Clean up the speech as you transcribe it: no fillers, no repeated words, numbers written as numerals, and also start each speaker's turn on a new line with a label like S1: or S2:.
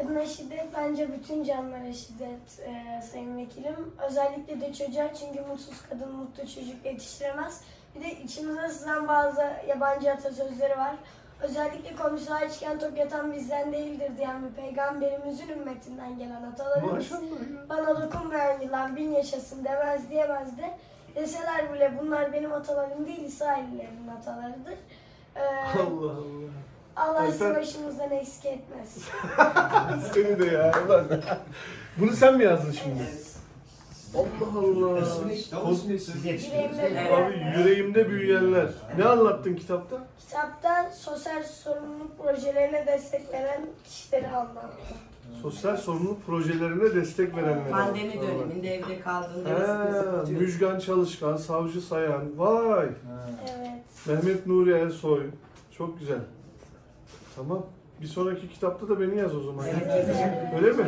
S1: Kadına şiddet bence bütün canlılara şiddet sayın vekilim. Özellikle de çocuğa, çünkü mutsuz kadın mutlu çocuk yetiştiremez. Bir de içimize sızan bazı yabancı atasözleri var. Özellikle komşular açken tok yatan bizden değildir diyen bir peygamberimizin ümmetinden gelen atalarımız.
S2: Maşallah ya.
S1: Bana dokunmayan yılan bin yaşasın demez diyemez de. Deseler bile bunlar benim atalarım değil, İsraillilerin atalarıdır.
S2: Allah Allah.
S1: Allah sizi
S2: Alper-
S1: başımızdan eksik etmez.
S2: Seni de ya. Ulan. Bunu sen mi yazdın şimdi? Allah Allah.
S1: Yüreğimde
S2: Abi yüreğimde büyüyenler. Ne anlattın kitapta?
S1: Kitapta sosyal sorumluluk projelerine destek veren kişileri anlattı.
S2: Sosyal sorumluluk projelerine destek verenler.
S3: Pandemi döneminde evde kaldığında
S2: He, Müjgan Çalışkan, Savcı Sayan. Vay.
S1: Evet.
S2: Mehmet Nuri Ersoy. Çok güzel. Tamam. Bir sonraki kitapta da beni yaz o zaman.
S3: Evet.
S2: Öyle mi?